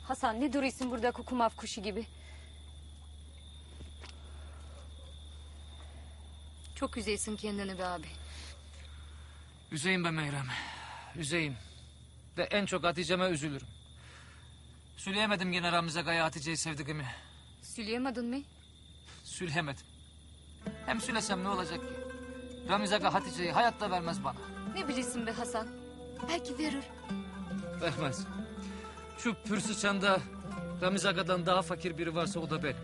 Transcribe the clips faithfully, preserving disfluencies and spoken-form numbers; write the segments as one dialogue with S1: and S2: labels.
S1: Hasan ne duruyorsun burada kukumav kuşu gibi? Çok üzeysin kendini be abi.
S2: Üzeyim be Meyrem. Üzeyim. Ve en çok Hatice'me üzülürüm. Söyleyemedim gene Ramiz Aga'ya Hatice'yi sevdiğimi.
S1: Söyleyemedin mi?
S2: Söyleyemedim. Hem söylesem ne olacak ki? Ramiz Aga Hatice'yi hayatta vermez bana.
S1: Ne bilirsin be Hasan? Belki verir.
S2: Vermez. Şu Pürsüçan'da Ramiz Aga'dan daha fakir biri varsa o da benim.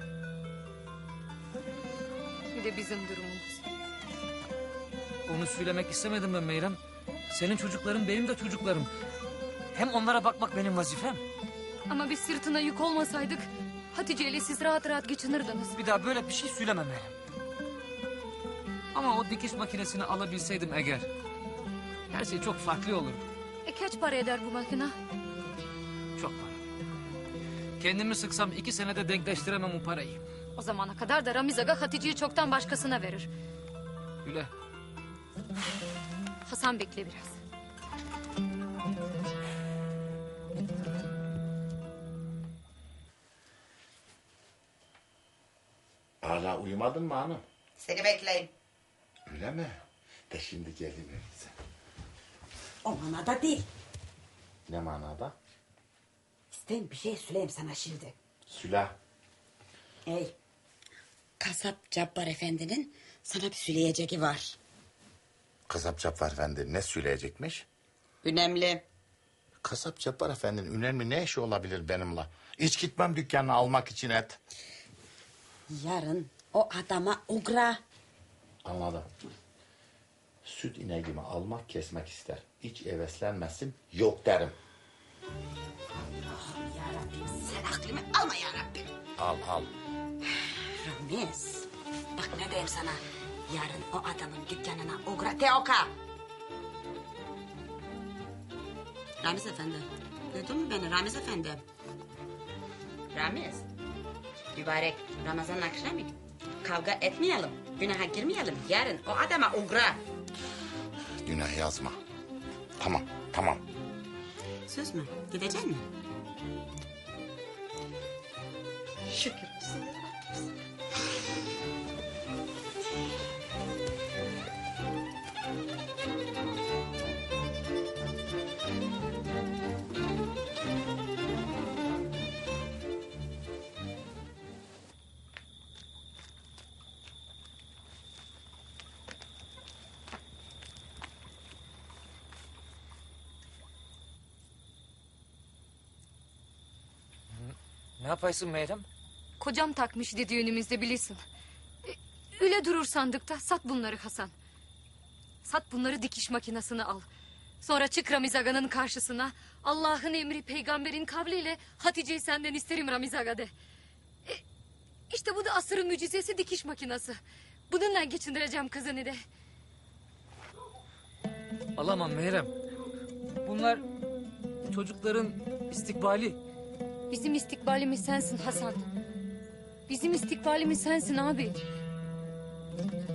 S1: Bir de bizim durumumuz.
S2: Onu söylemek istemedim ben Meyrem. Senin çocukların benim de çocuklarım. Hem onlara bakmak benim vazifem.
S1: Ama biz sırtına yük olmasaydık Hatice ile siz rahat rahat geçinirdiniz.
S2: Bir daha böyle bir şey söyleme Meyrem. Ama o dikiş makinesini alabilseydim eğer, her şey çok farklı olurdu.
S1: E kaç para eder bu makine?
S2: Çok para. Kendimi sıksam iki senede denkleştiremem o parayı.
S1: O zamana kadar da Ramiz Aga Hatice'yi çoktan başkasına verir.
S2: Öyle.
S1: Hasan bekle biraz.
S3: Hala uyumadın mı hanım?
S4: Seni bekleyeyim.
S3: Öyle mi? De şimdi geleyim öyleyse.
S4: O manada değil.
S3: Ne manada?
S4: İsteyin bir şey söyleyeyim sana şimdi.
S3: Süla.
S4: Ey. Kasap Cabbar Efendi'nin sana bir söyleyeceği var.
S3: Kasap Cabbar Efendi ne söyleyecekmiş?
S4: Önemli.
S3: Kasap Cabbar Efendi'nin önemli ne işi olabilir benimle? Hiç gitmem dükkanına almak için et.
S4: Yarın o adama ugra.
S3: Anladım. Süt ineğimi almak kesmek ister. Hiç heveslenmesin yok derim.
S4: Allah'ım yarabbim sen aklımı alma yarabbim.
S3: Al al.
S4: Ramiz. Bak ne diyeyim sana. Yarın o adamın dükkanına ugra. Teoka. Ramiz Efendi. Duydun mu beni Ramiz Efendi? Ramiz. Mübarek Ramazan akşamı kavga etmeyelim. Günaha girmeyelim. Yarın o adama ugra.
S3: Günah yazma. Tamam tamam.
S4: Söz mü? Gidecek mi? Şükür olsun.
S2: Ne yapaysın Meyrem?
S1: Kocam takmıştı düğünümüzde bilirsin. E, öyle durur sandıkta. Sat bunları Hasan. Sat bunları dikiş makinesine al. Sonra çık Ramiz Aga'nın karşısına. Allah'ın emri peygamberin kavliyle Hatice'yi senden isterim Ramiz Aga de. E, işte bu da asırın mucizesi dikiş makinesi. Bununla geçindireceğim kızını de.
S2: Alamam Meyrem. Bunlar çocukların istikbali.
S1: Bizim istikbalimiz sensin Hasan. Bizim istikbalimiz sensin abi.